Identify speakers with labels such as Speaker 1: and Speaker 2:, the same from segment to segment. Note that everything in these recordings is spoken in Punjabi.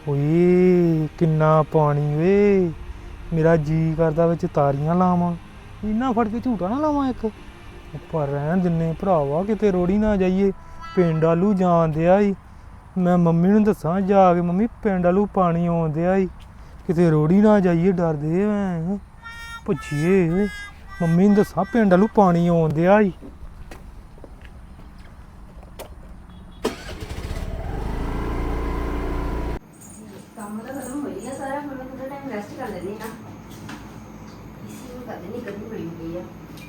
Speaker 1: ਓਏ ਕਿੰਨਾ ਪਾਣੀ ਵੇ। ਮੇਰਾ ਜੀ ਕਰਦਾ ਵਿੱਚ ਤਾਰੀਆਂ ਲਾਵਾਂ, ਇੰਨਾ ਫੜ ਕੇ ਝੂਟਾ ਨਾ ਲਾਵਾਂ ਇੱਕ। ਪਰ ਰਹਿਣ ਦਿੰਨੇ ਭਰਾਵਾ, ਕਿਤੇ ਰੋੜੀ ਨਾ ਜਾਈਏ। ਪਿੰਡ ਆਲੂ ਜਾਣ ਦਿਆ ਈ। ਮੈਂ ਮੰਮੀ ਨੂੰ ਦੱਸਾਂ ਜਾ ਕੇ, ਮੰਮੀ ਪਿੰਡ ਆਲੂ ਪਾਣੀ ਆਉਣ ਦਿਆ ਈ, ਕਿਤੇ ਰੋੜੀ ਨਾ ਜਾਈਏ। ਡਰਦੇ ਮੈਂ ਭੱਜੀਏ। ਮੰਮੀ ਨੂੰ ਦੱਸਾਂ ਪਿੰਡ ਆਲੂ ਪਾਣੀ ਆਉਣ ਦਿਆ ਈ।
Speaker 2: ਕੰਮ ਤਾਂ ਖਤਮ ਹੋ ਗਿਆ ਸਾਰਾ। ਹੁਣ ਮੈਂ ਥੋੜਾ ਟਾਈਮ ਰੈਸਟ ਕਰ ਲੈਂਦੀ ਹਾਂ। ਇਸੇ ਨੂੰ ਕਰਦੇ ਨਹੀਂ, ਗਰਮੀ ਬੜੀ ਹੋ ਗਈ ਆ।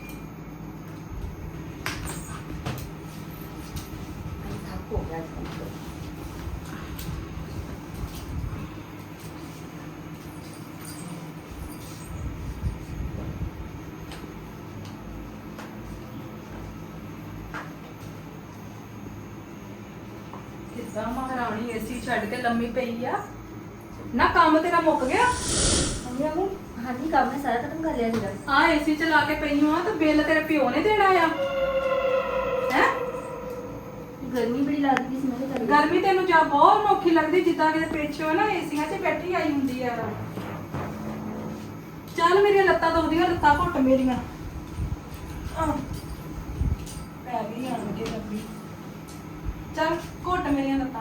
Speaker 2: ਥੱਕ ਹੋ ਗਿਆ ਅੱਜ ਕੱਲ੍ਹ।
Speaker 3: ਕਿੱਦਾਂ ਮਹਾਰਾਣੀ ਏਸੀ ਛੱਡ ਕੇ ਲੰਮੀ ਪਈ ਆ ਨਾ? ਕੰਮ ਤੇਰਾ ਮੁੱਕ ਗਿਆ?
Speaker 2: ਮੰਮੀ ਹਾਂਜੀ, ਕੰਮ ਮੈਂ ਸਾਰਾ ਖਤਮ ਕਰ ਲਿਆ ਸੀਗਾ।
Speaker 3: ਆ ਏਸੀ ਚਲਾ ਕੇ ਪਈ ਹਾਂ ਤੇ ਬਿੱਲ ਤੇਰੇ ਪਿਓ ਨੇ ਦੇਣਾ ਆ ਹੈ?
Speaker 2: ਗਰਮੀ ਬੜੀ ਲੱਗਦੀ ਸੀ, ਮੈਂ ਕਿਹਾ ਚੱਲ
Speaker 3: ਗਰਮੀ ਤੈਨੂੰ ਜਾਂ ਬਹੁਤ ਔਖੀ ਲੱਗਦੀ, ਜਿੱਦਾਂ ਕਿਤੇ ਪਿੱਛੋਂ ਨਾ ਏਸੀਆਂ 'ਚ ਬੈਠੀ ਆਈ ਹੁੰਦੀ ਆ। ਚੱਲ ਮੇਰੀਆਂ ਲੱਤਾਂ ਦੁਖਦੀਆਂ, ਲੱਤਾਂ ਘੁੱਟ ਮੇਰੀਆਂ। ਪੈ ਗਈ ਆਣ ਕੇ ਲੱਗੀ। ਚੱਲ ਘੁੱਟ ਮੇਰੀਆਂ ਲੱਤਾਂ।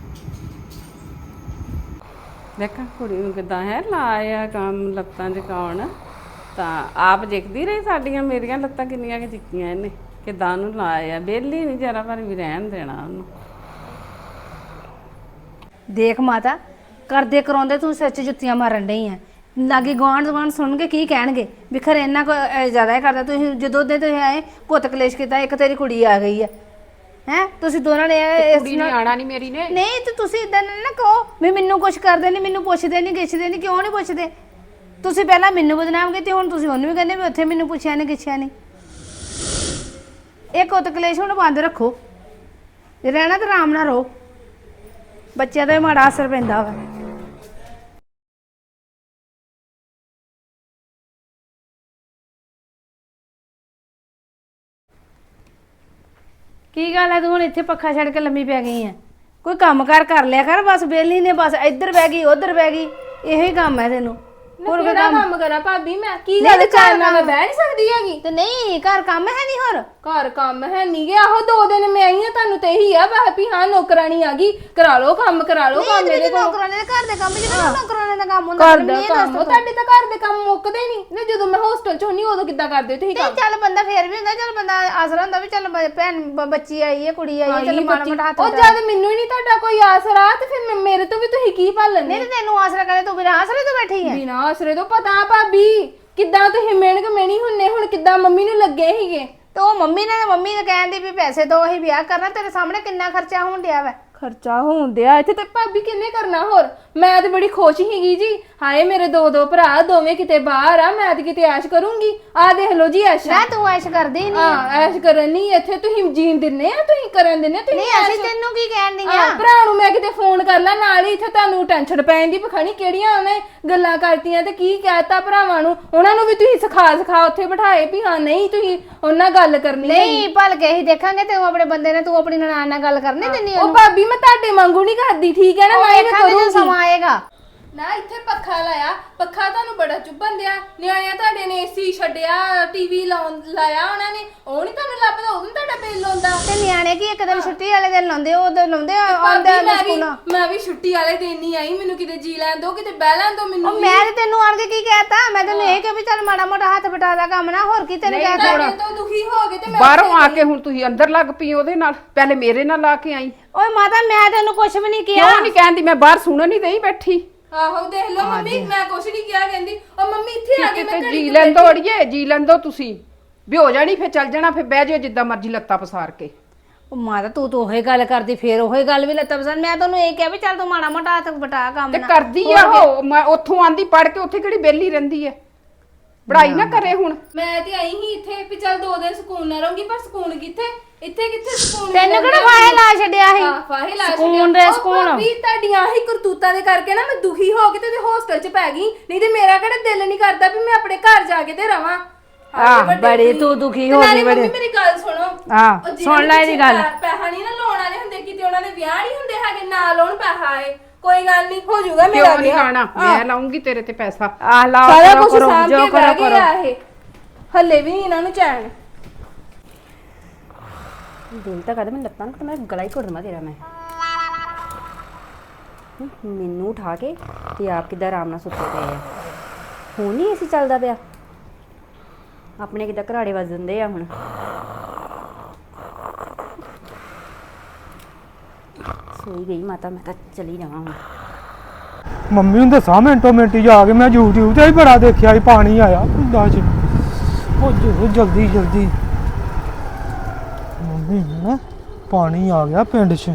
Speaker 4: ਦੇਖਾਂ ਕੁੜੀ ਨੂੰ ਕਿਦਾਂ ਹੈ ਲਾਇਆ ਕੰਮ ਲੱਤਾਂ ਜਕਾਉਣ। ਤਾਂ ਆਪ ਦੇਖਦੀ ਰਹੀ ਸਾਡੀਆਂ ਮੇਰੀਆਂ ਲੱਤਾਂ ਕਿੰਨੀਆਂ ਕਿ ਚਿੱਕੀਆਂ ਇਹਨੇ, ਕਿਦਾਂ ਉਹਨੂੰ ਲਾਇਆ। ਵਿਹਲੀ ਨਹੀਂ ਜਰਾ ਪਰ ਵੀ ਰਹਿਣ ਦੇਣਾ ਉਹਨੂੰ।
Speaker 5: ਦੇਖ ਮਾਤਾ, ਕਰਦੇ ਕਰਾਉਂਦੇ ਤੂੰ ਸੱਚ ਜੁੱਤੀਆਂ ਮਾਰਨ ਡਈ ਆ। ਲਾਗੇ ਗਵਾਂਢ ਸੁਣ ਕੇ ਕੀ ਕਹਿਣਗੇ ਵੀ ਖਰੇ ਇੰਨਾ ਕੋ ਜ਼ਿਆਦਾ ਹੀ ਕਰਦਾ। ਤੁਸੀਂ ਜਦੋਂ ਦੇ ਤੁਸੀਂ ਆਏ ਪੁੱਤ ਕਲੇਸ਼ ਕੀਤਾ, ਇੱਕ ਤੇਰੀ ਕੁੜੀ ਆ ਗਈ ਆ। ਹੈ ਤੁਸੀਂ ਦੋਨਾਂ ਨੇ
Speaker 4: ਕੁੜੀ ਨੇ ਆਣਾ ਨਹੀਂ ਮੇਰੀ ਨੇ।
Speaker 5: ਨਹੀਂ ਤੇ ਤੁਸੀਂ ਇਦਾਂ ਨਾ ਕਹੋ ਵੀ ਮੈਨੂੰ ਕੁਝ ਕਰਦੇ ਨਹੀਂ, ਮੈਨੂੰ ਪੁੱਛਦੇ ਨਹੀਂ ਗਿੱਛਦੇ ਨਹੀਂ। ਕਿਉਂ ਨਹੀਂ ਪੁੱਛਦੇ? ਤੁਸੀਂ ਪਹਿਲਾਂ ਮੈਨੂੰ ਬਦਨਾਮ ਕੀਤੀ, ਹੁਣ ਤੁਸੀਂ ਉਹਨੂੰ ਵੀ ਕਹਿੰਦੇ ਵੀ ਉੱਥੇ ਮੈਨੂੰ ਪੁੱਛਿਆ ਨਹੀਂ ਗਿੱਛਿਆ ਨਹੀਂ। ਇਹ ਕੁੱਤ ਕਲੇਸ਼ ਹੁਣ ਬੰਦ ਰੱਖੋ। ਜੇ ਰਹਿਣਾ ਤਾਂ ਆਰਾਮ ਨਾਲ ਰਹੋ। ਬੱਚਿਆਂ ਦਾ ਵੀ ਮਾੜਾ ਅਸਰ ਪੈਂਦਾ ਵਾ। ਕੀ ਗੱਲ ਹੈ ਤੂੰ ਹੁਣ ਇੱਥੇ ਪੱਖਾ ਛੱਡ ਕੇ ਲੰਮੀ ਪੈ ਗਈ ਆ? ਕੋਈ ਕੰਮ ਕਰ ਲਿਆ ਕਰ। ਬਸ ਵਿਹਲੀ ਨੇ, ਬਸ ਇੱਧਰ ਬਹਿ ਗਈ ਉੱਧਰ ਬਹਿ ਗਈ, ਇਹੋ ਹੀ ਕੰਮ ਹੈ ਤੈਨੂੰ।
Speaker 2: ਹੋਰ ਕੋਈ ਕੰਮ ਕਰਾਂ ਭਾਬੀ? ਮੈਂ ਕੀ ਗੱਲ ਚਾਹ ਨਾਲ ਮੈਂ ਬਹਿ ਨਹੀਂ ਸਕਦੀ ਹੈਗੀ?
Speaker 5: ਤੇ ਨਹੀਂ ਘਰ ਕੰਮ ਹੈ ਨਹੀਂ? ਹੋਰ
Speaker 2: ਘਰ ਕੰਮ ਹੈ ਨਹੀਂ ਗਿਆ। ਆਹੋ 2 ਦਿਨ ਮੈਂ ਆਈ ਹਾਂ, ਤੁਹਾਨੂੰ ਤੇ ਇਹੀ ਆ ਬਸ ਵੀ ਹਾਂ ਨੌਕਰਾਣੀ ਆ ਗਈ, ਕਰਾ ਲਓ ਕੰਮ, ਕਰਾ ਲਓ ਕੰਮ। ਮੇਰੇ ਕੋਲ
Speaker 5: ਨੌਕਰਾਨੇ ਦੇ ਘਰ ਦੇ ਕੰਮ ਜਿਹੜਾ ਨੌਕਰਾਨੇ ਦਾ ਕੰਮ ਹੁੰਦਾ।
Speaker 2: ਘਰ ਦਾ ਕੰਮ ਤੁਹਾਡੇ ਤਾਂ ਘਰ ਦੇ ਕੰਮ ਮੁੱਕਦੇ ਨਹੀਂ ਨਾ। ਜਦੋਂ ਮੈਂ ਹੋਸਟਲ 'ਚ ਹੁੰਨੀ ਉਦੋਂ ਕਿੱਦਾਂ ਕਰਦੇ ਤੁਸੀਂ ਕੰਮ?
Speaker 5: ਚੱਲ ਬੰਦਾ ਫੇਰ ਵੀ ਹੁੰਦਾ, ਚੱਲ ਬੰਦਾ ਆਸਰਾ ਹੁੰਦਾ ਵੀ ਚੱਲ ਭੈਣ ਬੱਚੀ ਆਈ ਹੈ, ਕੁੜੀ ਆਈ ਹੈ, ਚੱਲ ਮਾੜਾ ਮੋਟਾ ਹੱਥ।
Speaker 2: ਉਹ ਜਦ ਮੈਨੂੰ ਹੀ ਨਹੀਂ ਤੁਹਾਡਾ ਕੋਈ ਆਸਰਾ ਤੇ ਫਿਰ ਮੇਰੇ ਤੋਂ ਵੀ ਤੁਸੀਂ ਕੀ ਭਾਲਣ?
Speaker 5: ਨਹੀਂ ਤੈਨੂੰ ਆਸਰਾ ਕਰੇ, ਤੂੰ ਬਿਨਾਂ ਆਸਰੇ ਤੋਂ ਬੈਠੀ ਹੈ।
Speaker 2: ਬਿਨਾਂ ਆਸਰੇ ਤੋਂ ਪਤਾ ਭਾਬੀ ਕਿੱਦਾਂ ਤੁਸੀਂ ਮਿਹਨਤ ਮੇਣੀ ਹੁੰਨੇ। ਹੁਣ ਕਿੱਦਾਂ ਮੰਮੀ ਨੂੰ ਲੱਗੇ ਸੀਗੇ
Speaker 5: ਤੇ ਉਹ ਮੰਮੀ ਨੇ ਕਹਿੰਦੀ ਵੀ ਪੈਸੇ ਦੋ, ਅਸੀਂ ਵਿਆਹ ਕਰਨਾ। ਤੇਰੇ ਸਾਹਮਣੇ ਕਿੰਨਾ ਖਰਚਾ ਹੋਣ ਡਿਆ ਵਾ।
Speaker 2: ਖਰਚਾ ਹੋਣ ਦਿਆ ਇੱਥੇ ਤੇ ਭਾਬੀ ਕਿੰਨੇ ਕਰਨਾ? ਹੋਰ ਮੈਂ ਤੇ ਬੜੀ ਖੁਸ਼ ਹੀਗੀ ਜੀ। ਹਾਏ ਮੇਰੇ 2 ਭਰਾ, ਦੋਵੇਂ ਕਿਤੇ ਬਾਹਰ ਆ, ਮੈਂ ਤੇ ਕਿਤੇ ਐਸ਼ ਕਰੂੰਗੀ। ਆ ਦੇਖ ਲਓ ਜੀ ਐਸ਼।
Speaker 5: ਨਾ ਤੂੰ ਐਸ਼ ਕਰਦੀ ਨਹੀਂ।
Speaker 2: ਹਾਂ ਐਸ਼ ਕਰਨ ਨਹੀਂ ਇੱਥੇ ਤੁਸੀਂ ਜੀਣ ਦਿੰਨੇ ਆ, ਤੁਸੀਂ ਕਰਨ ਦਿੰਨੇ ਤੁਸੀਂ।
Speaker 5: ਨਹੀਂ ਅਸੀਂ ਤੈਨੂੰ ਕੀ ਕਹਿਣ ਦੀਆਂ?
Speaker 2: ਭਰਾ ਨੂੰ ਮੈਂ ਕਿਤੇ ਫੋਨ ਕਰ ਲਾ ਨਾਲ ਹੀ, ਇੱਥੇ ਤੁਹਾਨੂੰ ਟੈਨਸ਼ਨ ਪੈਣ ਦੀ ਪਖਾਣੀ ਕਿਹੜੀਆਂ ਉਹਨੇ ਗੱਲਾਂ ਕਰਤੀਆਂ ਤੇ ਕੀ ਕਹਿਤਾ ਭਰਾਵਾਂ ਨੂੰ। ਉਹਨਾਂ ਨੂੰ ਵੀ ਤੁਸੀਂ ਸਿਖਾ ਉੱਥੇ ਬਿਠਾਏ ਵੀ ਹਾਂ ਨਹੀਂ ਤੁਸੀਂ ਉਹਨਾਂ ਗੱਲ ਕਰਨੀ
Speaker 5: ਨਹੀਂ। ਭਲ ਕੇ ਹੀ ਦੇਖਾਂਗੇ ਤੇ ਉਹ ਆਪਣੇ ਬੰਦੇ ਨੇ, ਤੂੰ ਆਪਣੀ ਨਨਾਣ ਨਾਲ ਗੱਲ ਕਰਨੀ ਦਿੰਦੀ
Speaker 2: ਉਹ ਭਾਬੀ ਮੈਂ ਤੁਹਾਡੇ ਵਾਂਗੂ ਨਹੀਂ ਕਰਦੀ, ਠੀਕ ਹੈ ਨਾ? ਮੈਂ
Speaker 5: ਕਰੂੰਗੀ ਸਮਾਂ ਆਏਗਾ
Speaker 2: ਨਾ। ਇੱਥੇ ਪੱਖਾ ਲਾਇਆ, ਪੱਖਾ ਤੁਹਾਨੂੰ ਬੜਾ ਚੁੱਭਣ ਦਿਆ। ਨਿਆਣਿਆਂ ਤੁਹਾਡੇ ਨੇ ਏਸੀ ਛੱਡਿਆ, ਟੀਵੀ ਲਾਇਆ ਉਹਨਾਂ ਨੇ, ਉਹ ਨਹੀਂ ਤੁਹਾਨੂੰ ਲੱਭਦਾ, ਉਦੋਂ ਤੁਹਾਡਾ ਬਿੱਲ ਆਉਂਦਾ।
Speaker 5: ਤੇ ਨਿਆਣੇ ਕੀ ਇੱਕ ਦਿਨ ਛੁੱਟੀ ਵਾਲੇ ਦਿਨ ਲਾਉਂਦੇ, ਉਹ ਦਿਨ ਲਾਉਂਦੇ ਆਉਂਦੇ ਸਕੂਲੋਂ।
Speaker 2: ਮੈਂ ਵੀ ਛੁੱਟੀ ਵਾਲੇ ਦਿਨ ਨਹੀਂ ਆਈ, ਮੈਨੂੰ ਕਿਤੇ ਜੀ ਲੈਣ ਦੋ, ਕਿਤੇ ਬਹਿ ਲੈਣ ਦੋ ਮੈਨੂੰ।
Speaker 5: ਮੈਂ ਤੇ ਤੈਨੂੰ ਆਣ ਕੇ ਕੀ ਕਹਿਤਾ? ਮੈਂ ਤੈਨੂੰ ਇਹ ਕਿ ਵੀ ਚੱਲ ਮਾੜਾ ਮੋਟਾ ਹੱਥ ਬਟਾ ਦਾ ਕੰਮ ਨਾ, ਹੋਰ ਕੀ ਤੈਨੂੰ ਕਹਿ
Speaker 2: ਤੁਹਾਡੇ ਤੋਂ ਦੁਖੀ ਹੋ ਗਏ ਤੇ ਮੈਂ
Speaker 4: ਬਾਹਰੋਂ ਆ ਕੇ ਹੁਣ ਤੁਸੀਂ ਅੰਦਰ ਲੱਗ ਪਈ ਉਹਦੇ ਨਾਲ। ਪਹਿਲੇ ਮੇਰੇ ਨਾਲ ਲਾ ਕੇ ਆਈ।
Speaker 5: ਓਏ ਮਾਤਾ ਮੈਂ ਤੈਨੂੰ ਕੁਝ ਵੀ ਨਹੀਂ ਕਿਹਾ।
Speaker 4: ਕਿਉਂ ਨਹੀਂ ਕਹਿੰਦੀ? ਮੈਂ ਬਾਹਰ ਸੁਣਨ ਨਹੀਂ ਦਈ ਬੈਠੀ।
Speaker 2: ਆਹੋ ਦੇਖ ਲਓ ਮੰਮੀ, ਮੈਂ ਕੁਛ ਨਹੀਂ ਕਿਹਾ। ਕਹਿੰਦੀ ਉਹ ਮੰਮੀ ਇੱਥੇ ਆ ਕੇ ਮੈਂ
Speaker 4: ਜੀ ਲੈਂਦੋ ਅੜੀਏ, ਜੀ ਲੈਂਦੋ ਤੁਸੀਂ ਵੀ ਹੋ ਜਾਣੀ, ਫਿਰ ਚੱਲ ਜਾਣਾ, ਫਿਰ ਬਹਿ ਜਾਓ ਜਿੱਦਾਂ ਮਰਜ਼ੀ ਲੱਤਾਂ ਪਸਾਰ ਕੇ।
Speaker 5: ਉਹ ਮਾਤਾ ਤੂੰ ਤਾਂ ਉਹੀ ਗੱਲ ਕਰਦੀ, ਫੇਰ ਉਹੀ ਗੱਲ ਵੀ ਲੱਤਾਂ ਪਸਾਰ। ਮੈਂ ਤੈਨੂੰ ਇਹ ਕਿਹਾ ਵੀ ਚੱਲ ਤੂੰ ਮਾੜਾ ਮੋਟਾ ਹੱਥ ਬਟਾ ਕੰਮ
Speaker 4: ਤੇ
Speaker 5: ਨਾ
Speaker 4: ਕਰਦੀ ਆ ਉਹ। ਮੈਂ ਉੱਥੋਂ ਆਂਦੀ ਪੜ ਕੇ, ਉੱਥੇ ਕਿਹੜੀ ਬੇਲੀ ਰਹਿੰਦੀ ਐ? ਪੜਾਈ ਨਾ ਕਰੇ ਹੁਣ।
Speaker 2: ਮੈਂ ਤੇ ਆਈ ਹੀ ਇੱਥੇ ਵੀ ਚੱਲ 2 ਦਿਨ ਸਕੂਨ ਨਾ ਰਹੂੰਗੀ, ਪਰ ਸਕੂਨ ਕਿੱਥੇ? ਇੱਥੇ ਕਿੱਥੇ ਸਕੂਨ?
Speaker 5: ਤੈਨੂੰ ਕਿਹੜਾ ਫਾਹੇ ਲਾ ਛੱਡਿਆ ਸੀ?
Speaker 2: ਫਾਹੇ ਲਾ
Speaker 5: ਸਕੂਨ ਦੇ ਸਕੂਨ
Speaker 2: ਵੀ ਤੁਹਾਡੀਆਂ ਹੀ ਕਰਤੂਤਾਂ ਦੇ ਕਰਕੇ ਨਾ ਮੈਂ ਦੁਖੀ ਹੋ ਕੇ ਤੇ ਹੋਸਟਲ 'ਚ ਪੈ ਗਈ। ਨਹੀਂ ਤੇ ਮੇਰਾ ਕਿਹੜਾ ਦਿਲ ਨਹੀਂ ਕਰਦਾ ਵੀ ਮੈਂ ਆਪਣੇ ਘਰ ਜਾ ਕੇ ਤੇ ਰਵਾਂ।
Speaker 5: ਬੜੀ ਤੂੰ ਦੁਖੀ ਹੋ ਗਈ ਬੜੀ।
Speaker 2: ਮੇਰੀ ਗੱਲ ਸੁਣੋ,
Speaker 5: ਸੁਣ ਲੈ ਇਹਦੀ ਗੱਲ।
Speaker 2: ਪੈਸਾ ਨਹੀਂ ਨਾ ਲਾਉਣ ਵਾਲੇ ਹੁੰਦੇ, ਕਿਤੇ ਉਹਨਾਂ ਦੇ ਵਿਆਹ ਨਹੀਂ ਹੁੰਦੇ ਹੈਗੇ, ਨਾ ਲਾਉਣ ਪੈਸਾ ਆਏ। ਕੋਈ ਗੱਲ ਨਹੀਂ, ਹੋ ਜਾਊਗਾ ਮੇਰਾ
Speaker 4: ਕਿਉਂ ਨਹੀਂ
Speaker 2: ਵਿਆਹ।
Speaker 4: ਖਾਣਾ? ਮੈਂ ਲਾਉਂਗੀ ਤੇਰੇ ਤੇ ਪੈਸਾ। ਆ ਲਾ
Speaker 2: ਸਾਰਾ
Speaker 4: ਕਰੋ,
Speaker 2: ਕੁਝ
Speaker 4: ਕਰੋ,
Speaker 2: ਸਾਂਭ
Speaker 4: ਜੋ
Speaker 2: ਕੇ
Speaker 4: ਕਰੋ,
Speaker 2: ਬਹਿ ਗਏ
Speaker 4: ਕਰੋ।
Speaker 2: ਆ ਇਹ, ਹੱਲੇ ਵੀ ਨੀ ਇਹਨਾਂ ਨੂੰ ਚੈਨ।
Speaker 6: ਦਿਲ ਤਾਂ ਕਰਦਾ ਮੈਂ ਲੱਤਾਂ ਨੂੰ ਮੈਂ ਗਲਾ ਹੀ ਘੁੱਟ ਦੇਵਾਂ ਤੇਰਾ। ਮੈਂ ਮੈਨੂੰ ਉਠਾ ਕੇ ਤੇ ਆਪ ਕਿੱਦਾਂ ਆਰਾਮ ਨਾਲ ਸੁੱਤੇ ਪਏ ਆ। ਹੁਣ ਨਹੀਂ ਏਸੀ ਚੱਲਦਾ ਪਿਆ, ਆਪਣੇ ਕਿੱਦਾਂ ਘਰਾੜੇ ਵੱਜ ਦਿੰਦੇ ਆ ਹੁਣ। ਸੋਈ ਗਈ ਮਾਤਾ, ਮੈਂ ਤਾਂ ਚਲੀ ਜਾਵਾਂ ਹੁਣ।
Speaker 1: ਮੰਮੀ ਨੂੰ ਦੱਸਾਂ ਮਿੰਟੋ ਮਿੰਟ ਜਾ ਕੇ, ਮੈਂ YouTube ਤੇ ਵੀ ਬੜਾ ਦੇਖਿਆ ਸੀ ਪਾਣੀ ਆਇਆ ਪਿੰਡਾਂ 'ਚ। ਉਹ ਜੋ ਜਲਦੀ ਜਲਦੀ ਮੰਮੀ ਨਾ ਪਾਣੀ ਆ ਗਿਆ ਪਿੰਡ 'ਚ।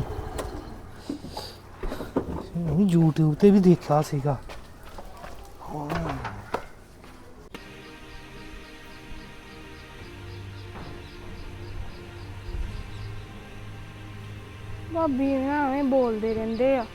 Speaker 1: YouTube ਤੇ ਵੀ ਦੇਖਿਆ ਸੀਗਾ।
Speaker 2: ਭਾਬੀ ਐਵੇਂ ਬੋਲਦੇ ਰਹਿੰਦੇ ਆ।